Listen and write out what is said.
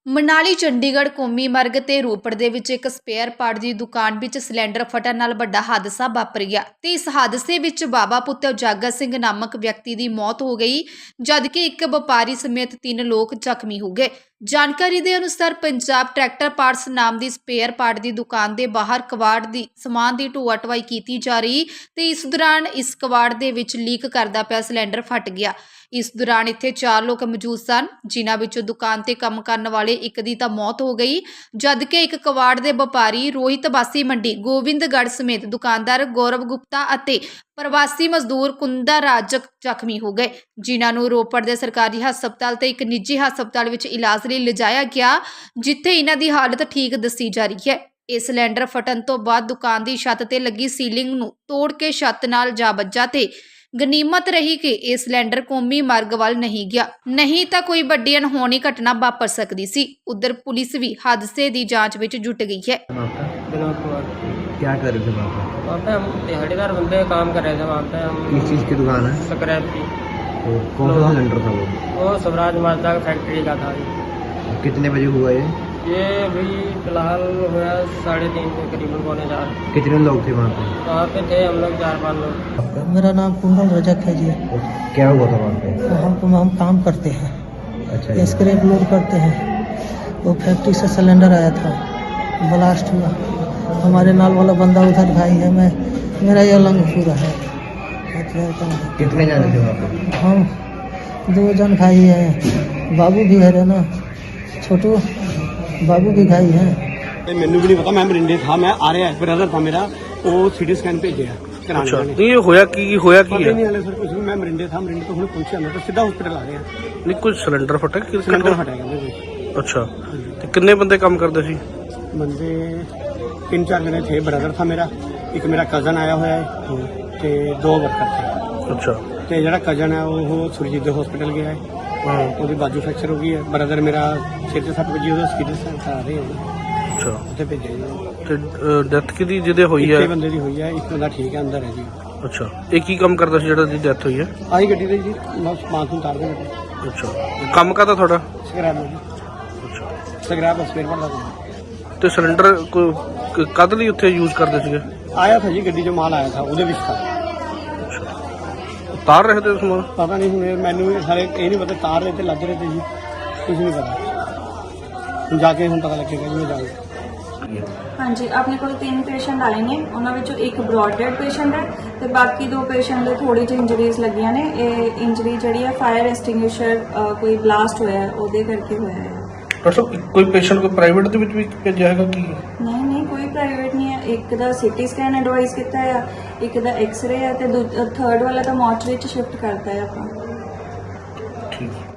ਮਨਾਲੀ ਚੰਡੀਗੜ੍ਹ ਕੌਮੀ ਮਾਰਗ ਤੇ ਰੋਪੜ ਦੇ ਵਿੱਚ ਇੱਕ ਸਪੇਅਰ ਪਾਰਟ ਦੀ ਦੁਕਾਨ ਵਿੱਚ ਸਿਲੰਡਰ ਫਟਣ ਨਾਲ ਵੱਡਾ ਹਾਦਸਾ ਵਾਪਰ ਗਿਆ ਤੇ ਇਸ ਹਾਦਸੇ ਵਿੱਚ ਬਾਬਾ ਪੁੱਤਰ ਜਾਗਾ ਸਿੰਘ ਨਾਮਕ ਵਿਅਕਤੀ ਦੀ ਮੌਤ ਹੋ ਗਈ, ਜਦਕਿ ਇੱਕ ਵਪਾਰੀ ਸਮੇਤ 3 ਲੋਕ ਜ਼ਖਮੀ ਹੋ ਗਏ। ਜਾਣਕਾਰੀ ਦੇ ਅਨੁਸਾਰ ਪੰਜਾਬ ਟਰੈਕਟਰ ਪਾਰਟਸ ਨਾਮ ਦੀ ਸਪੇਅਰ ਪਾਰਟ ਦੀ ਦੁਕਾਨ ਦੇ ਬਾਹਰ ਕਵਾੜ ਦੀ ਸਮਾਨ ਦੀ ਢੋਆ ਢਵਾਈ ਕੀਤੀ ਜਾ ਰਹੀ ਤੇ ਇਸ ਦੌਰਾਨ ਇਸ ਕਵਾੜ ਦੇ ਵਿੱਚ ਲੀਕ ਕਰਦਾ ਪਿਆ ਸਿਲੰਡਰ ਫਟ ਗਿਆ। ਇਸ ਦੌਰਾਨ ਇੱਥੇ 4 ਲੋਕ ਮੌਜੂਦ ਸਨ, ਜਿਨ੍ਹਾਂ ਵਿੱਚੋਂ ਦੁਕਾਨ ਤੇ ਕੰਮ ਕਰਨ ਵਾਲੇ ਇੱਕ ਦੀ ਤਾਂ ਮੌਤ ਹੋ ਗਈ, ਜਦਕਿ ਇੱਕ ਕਵਾੜ ਦੇ ਵਪਾਰੀ ਰੋਹਿਤ ਬਾਸੀ ਮੰਡੀ ਗੋਬਿੰਦਗੜ੍ਹ ਸਮੇਤ ਦੁਕਾਨਦਾਰ ਗੌਰਵ ਗੁਪਤਾ ਅਤੇ ਪ੍ਰਵਾਸੀ ਮਜ਼ਦੂਰ ਕੁੰਦਾ ਰਾਜ ਜ਼ਖਮੀ ਹੋ ਗਏ, ਜਿਨ੍ਹਾਂ ਨੂੰ ਰੋਪੜ ਦੇ ਸਰਕਾਰੀ ਹਸਪਤਾਲ ਤੇ ਇੱਕ ਨਿੱਜੀ ਹਸਪਤਾਲ ਵਿੱਚ ਇਲਾਜ ਲਈ ਲਿਜਾਇਆ ਗਿਆ, ਜਿੱਥੇ ਇਹਨਾਂ ਦੀ ਹਾਲਤ ਠੀਕ ਦੱਸੀ ਜਾ ਰਹੀ ਹੈ। ਇਹ ਸਿਲੰਡਰ ਫਟਣ ਤੋਂ ਬਾਅਦ ਦੁਕਾਨ ਦੀ ਛੱਤ ਤੇ ਲੱਗੀ ਸੀਲਿੰਗ ਨੂੰ ਤੋੜ ਕੇ ਛੱਤ ਨਾਲ ਜਾ ਵੱਜਾ ਤੇ ਗਨੀਮਤ ਰਹੀ ਕਿ ਇਹ ਸਿਲੰਡਰ ਕੌਮੀ ਮਾਰਗ ਵੱਲ ਨਹੀਂ ਗਿਆ, ਨਹੀਂ ਤਾਂ ਕੋਈ ਵੱਡੀ ਅਣਹੋਣੀ ਘਟਨਾ ਵਾਪਰ ਸਕਦੀ ਸੀ। उधर पुलिस भी हादसे की जांच में जुट गई है। क्या कर रहे थे वहाँ पे हम दिहाड़ीदार बंदे काम कर रहे थे। वहाँ पे हम किस चीज़ की दुकान है? स्क्रैप की। तो कौन सा सिलेंडर था वो स्वराज माजदा फैक्ट्री का था। कितने बजे हुआ ये अभी फिलहाल हुआ 3:30 के करीबन, 3:45। कितने लोग थे वहाँ पे थे हम लोग 4-5 लोग। मेरा नाम कुंदन रजक है जी। क्या हुआ था वहाँ पे? हम काम करते हैं, अच्छा स्क्रैप लोड करते हैं। वो फैक्ट्री से सिलेंडर आया था, ब्लास्ट हुआ। हमारे नाल वाला बंदा उधर भाई है, मेरा ये लंग पूरा है। कितने जाने थे वहाँ पे? हम 2 जन भाई हैं, बाबू भी है ना, छोटू बाबू भी भाई हैं। मैनू भी नहीं पता, मैं मरिंडे था, मैं आ रहा ब्रदर था मेरा, वो सीटी स्कैन भेजे अच्छा ये होया की है? नहीं हाले सर कुछ नहीं, मैं मरिंडे था, मरिंडे तो हुणे पहुंचे, मैं तो सीधा हॉस्पिटल आ गया। नहीं कोई सिलेंडर फटा कि सिलेंडर फटा कहंदे। अच्छा ते कितने बंदे काम करते सी? बंदे 3-4 जने थे, ब्रदर था मेरा, एक मेरा कजन आया हुआ है ते 2 वर्कर थे। अच्छा ते जेड़ा कजन है वो सुरजीत दे हॉस्पिटल गया है, ਉਹਦੀ ਬਾਜੂ ਫ੍ਰੈਕਚਰ ਹੋ ਗਈ ਹੈ। ਬ੍ਰਦਰ ਮੇਰਾ ਸਿਰ ਤੇ ਸੱਟ ਵੱਜੀ, ਉਹਦਾ ਸੀਰੀਅਸ ਆ ਰਹੇ ਹਾਂ। ਅੱਛਾ ਉੱਥੇ ਭੇਜਿਆ ਜੀ। ਤੇ ਡੈਥ ਕਿਹਦੀ ਜਿਹਦੇ ਹੋਈ ਹੈ? ਇੱਕ ਬੰਦੇ ਦੀ ਹੋਈ ਹੈ, ਇੱਕ ਬੰਦਾ ਠੀਕ ਹੈ, ਅੰਦਰ ਹੈ ਜੀ। ਅੱਛਾ ਇਹ ਕੀ ਕੰਮ ਕਰਦਾ ਸੀ ਜਿਹੜਾ ਦੀ ਡੈਥ ਹੋਈ ਹੈ? ਆਹੀ ਗੱਡੀ ਦੇ ਜੀ, ਮੈਂ ਸਮਾਨ ਤੋਂ ਉਤਾਰ ਦੇ। ਅੱਛਾ ਕੰਮ ਕਰਦਾ ਤੁਹਾਡਾ? ਸਕ੍ਰੈਪ ਜੀ। ਅੱਛਾ ਸਕ੍ਰੈਪ ਸਪੇਅਰ ਪਾਰਟ ਦਾ। ਤੇ ਸਿਲੰਡਰ ਕਦ ਲਈ ਉੱਥੇ ਯੂਜ਼ ਕਰਦੇ ਸੀਗੇ? ਆਇਆ था ਜੀ, ਗੱਡੀ 'ਚ ਮਾਲ ਆਇਆ था, ਉਹਦੇ ਵਿੱਚ था। ਤਾਰ ਰਹੇ ਤੇ ਸਮਾਨ? ਪਤਾ ਨਹੀਂ ਹੁਣ ਮੈਨੂੰ ਸਾਰੇ ਇਹ ਨਹੀਂ ਪਤਾ, ਤਾਰ ਰਹੇ ਤੇ ਲੱਗ ਰਹੇ ਤੇ ਜੀ, ਕੁਝ ਨਹੀਂ ਪਤਾ। ਹੁਣ ਜਾ ਕੇ ਹੁਣ ਪਤਾ ਲੱਗੇਗਾ ਜੀ, ਮੈਂ ਜਾਊਂਗਾ। ਹਾਂਜੀ ਆਪਣੇ ਕੋਲ 3 ਪੇਸ਼ੈਂਟ ਆਏ ਨੇ, ਉਹਨਾਂ ਵਿੱਚੋਂ ਇੱਕ ਬ੍ਰੌਡ ਡੈਡ ਪੇਸ਼ੈਂਟ ਹੈ ਤੇ ਬਾਕੀ 2 ਪੇਸ਼ੈਂਟ ਦੇ ਥੋੜੀ ਜਿਹੀ ਇੰਜਰੀਜ਼ ਲੱਗੀਆਂ ਨੇ। ਇਹ ਇੰਜਰੀ ਜਿਹੜੀ ਹੈ ਫਾਇਰ ਐਕਸਟਿੰਗੁਇਸ਼ਰ ਕੋਈ ਬਲਾਸਟ ਹੋਇਆ ਹੈ ਉਹਦੇ ਕਰਕੇ ਹੋਇਆ ਹੈ। ਡਾਕਟਰ ਕੋਈ ਪੇਸ਼ੈਂਟ ਕੋਈ ਪ੍ਰਾਈਵੇਟ ਦੇ ਵਿੱਚ ਵੀ ਭੇਜਿਆ ਹੈਗਾ ਕੀ? ਨਹੀਂ ਕੋਈ ਪ੍ਰਾਈਵੇਟ ਨਹੀਂ ਹੈ। ਇੱਕ ਦਾ ਸੀਟੀ ਸਕੈਨ ਐਡਵਾਈਸ ਕੀਤਾ ਹੈ, ਇੱਕ ਦਾ ਐਕਸ-ਰੇ ਹੈ ਤੇ 3rd ਵਾਲਾ ਤਾਂ ਮੋਰਚਰੀ 'ਚ ਸ਼ਿਫਟ ਕਰਤਾ ਹੈ ਆਪਾਂ। ਠੀਕ।